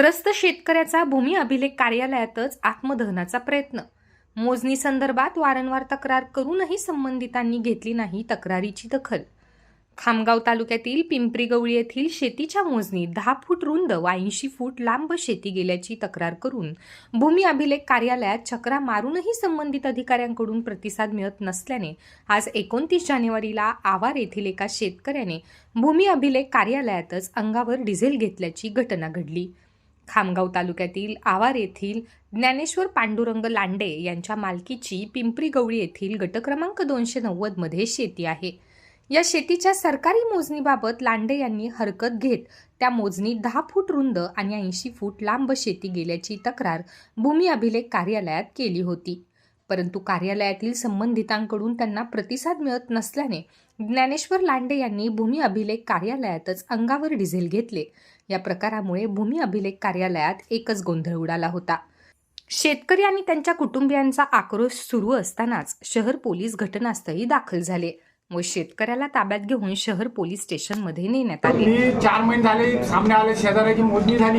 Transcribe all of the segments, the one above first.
त्रस्त शेतकऱ्याचा भूमी अभिलेख कार्यालयातच आत्मदहनाचा प्रयत्न। मोजणी संदर्भात वारंवार तक्रार करूनही संबंधितांनी घेतली नाही तक्रारीची दखल। खामगाव तालुक्यातील पिंपरी गवळी येथील शेतीच्या मोजणीत 10 फूट रुंद व 80 फूट लांब शेती गेल्याची तक्रार करून भूमी अभिलेख कार्यालयात चक्रा मारूनही संबंधित अधिकाऱ्यांकडून प्रतिसाद मिळत नसल्याने आज 29 जानेवारीला आवार येथील एका शेतकऱ्याने भूमी अभिलेख कार्यालयातच अंगावर डिझेल घेतल्याची घटना घडली। खामगाव तालुक्यातील आवार येथील ज्ञानेश्वर पांडुरंग लांडे यांच्या मालकीची पिंपरी गवळी येथील गट क्रमांक 290 मध्ये शेती आहे। या शेतीच्या सरकारी मोजणीबाबत लांडे यांनी हरकत घेत त्या मोजणीत 10 फूट रुंद आणि 80 फूट लांब शेती गेल्याची तक्रार भूमी अभिलेख कार्यालयात केली होती, परंतु कार्यालयातील संबंधितांकडून त्यांना प्रतिसाद मिळत नसल्याने ज्ञानेश्वर लांडे यांनी भूमी अभिलेख कार्यालयातच अंगावर डिझेल घेतले। या प्रकारामुळे भूमी अभिलेख कार्यालयात एकच गोंधळ उडाला होता। शेतकरी आणि त्यांच्या कुटुंबियांचा आक्रोश सुरू असतानाच शहर पोलीस घटनास्थळी दाखल झाले व शेतकऱ्याला ताब्यात घेऊन शहर पोलीस स्टेशनमध्ये नेण्यात आले। 4 महिने झाले सामने आले शेजाऱ्याची मोजणी झाली।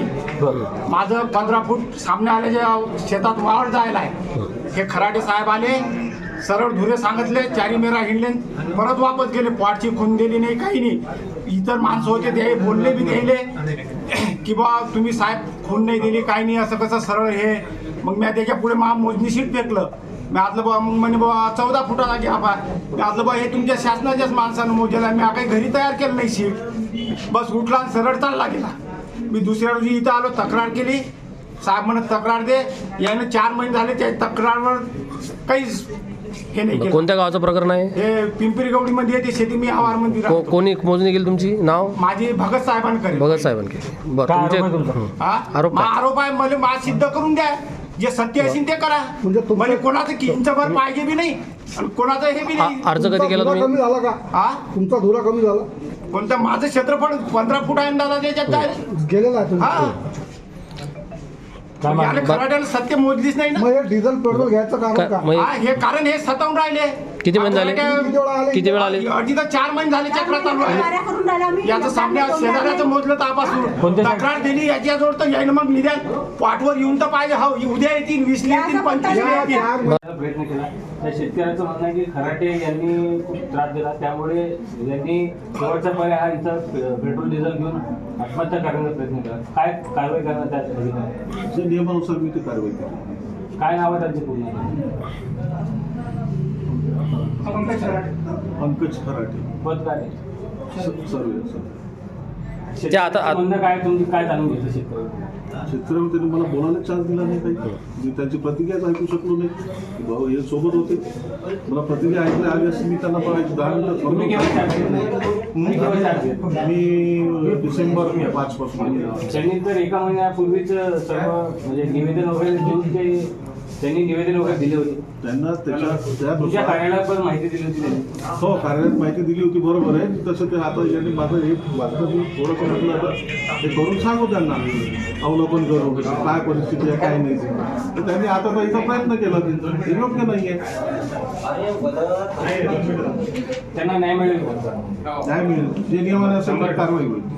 माझं 15 फूट सामने आल्याच्या शेतात वावर जायला आहे। हे खराटे साहेब आले, सरळ धुरे सांगितले, चारी मेरा हिंडले, परत वापस गेले। पॉटची खून दिली नाही, काही नाही। इतर माणसं होते ते बोलले बी द्यायले की बा तुम्ही साहेब खून नाही दिली, काही नाही, असं कसं सरळ हे। मग मी त्याच्या पुढे मोजणी शीट फेकलं। मी आतलं बा मग म्हणे बा 14 फुटाला घ्या बा। मी आतलं बा हे तुमच्या शासनाच्याच माणसानं मोजेला, मी काही घरी तयार केलं नाही शीट। बस उठला आणि सरळ चालला गेला। मी दुसऱ्या दिवशी इथं आलो, तक्रार केली। साहेब म्हणत तक्रार दे। यानं 4 महिने झाले त्या तक्रारवर काहीच हे नाही केलं। कोणत्या गावाचं प्रकरण आहे हे? पिंपरी गवडी मध्ये येते शेती। मी आवार मध्ये राहतो। कोणी मोजणी केली तुमची? नाव? माझी भगत साहेबांकडे। भगत साहेबांकडे। बरं, तुमचे आरोप आहे मला मा सिद्ध करून द्या। जे सत्य असेल ते करा। म्हणजे कोणाचं किंचभर पाहिजे बी नाही आणि कोणाचं हे बी नाही। अर्ज कधी केला तुम्ही? कमी झाला का? हा, तुमचा धुरा कमी झाला? कोणतं? माझं क्षेत्रफळ 15 फूट आहे दादा, त्याच्यात गेलेला आहे हा। खराट्याला सत्य मोजलीच नाही ना। मग हे डिझेल पेट्रोल घ्यायचं कारण का? हा, हे कारण हे सतावून राहिले। किती महिने झाले? किती वेळ आले? अडीच 4 महिने झाले चक्र चालू आहे। याचं सामने शेजाऱ्याचं मोजलं तापासून तक्रार दिली याच्याजवळ, तर यायला मग निदान पाठवर येऊन तर पाहिजे। हा, उद्या येतील, 20 येतील, 25 येतील। प्रयत्न केला। त्या शेतकऱ्याचं म्हणणं आहे की खराटे यांनी खूप त्रास दिला, त्यामुळे यांनी शेवटचा पर्याय हा इथं पेट्रोल डिझेल घेऊन आत्महत्या करण्याचा प्रयत्न केला। काय कारवाई करणार त्या अधिकारी? नियमानुसार मी ती कारवाई केली। काय नाव आहे त्यांचे पूर्ण? पंकज खराटे, पद काय? ते आता म्हणणं काय, तुम्ही काय जाणून घेतलं शेतकरी? शेतकऱ्यांनी त्यांनी मला बोलायला चान्स दिला नाही, काही मी त्यांची प्रतिक्रियाच ऐकू शकलो नाही। भाऊ हे सोबत होते, मला प्रतिक्रिया ऐकली आली असती मी त्यांना 10 मिनिटं। मी डिसेंबर 5 पासून। त्यांनी तर एका महिन्यापूर्वीच सर्व म्हणजे निवेदन वगैरे देऊन त्यांनी निवेदन वगैरे दिले होते। त्यांना तुमच्या कार्यालयात पण माहिती दिली होती त्यांनी? हो, कार्यालयात माहिती दिली होती, बरोबर आहे। तसं ते आता यांनी माझं हे मी थोडंसं म्हटलं आता हे करून सांगू त्यांना, अवलोकन करू काय परिस्थिती आहे, काय नाही। तर त्यांनी आता तर इथं प्रयत्न केला, ते योग्य नाही आहे। त्यांना न्याय मिळेल? न्याय मिळेल, जे नियमाने असेल तर कारवाई होईल।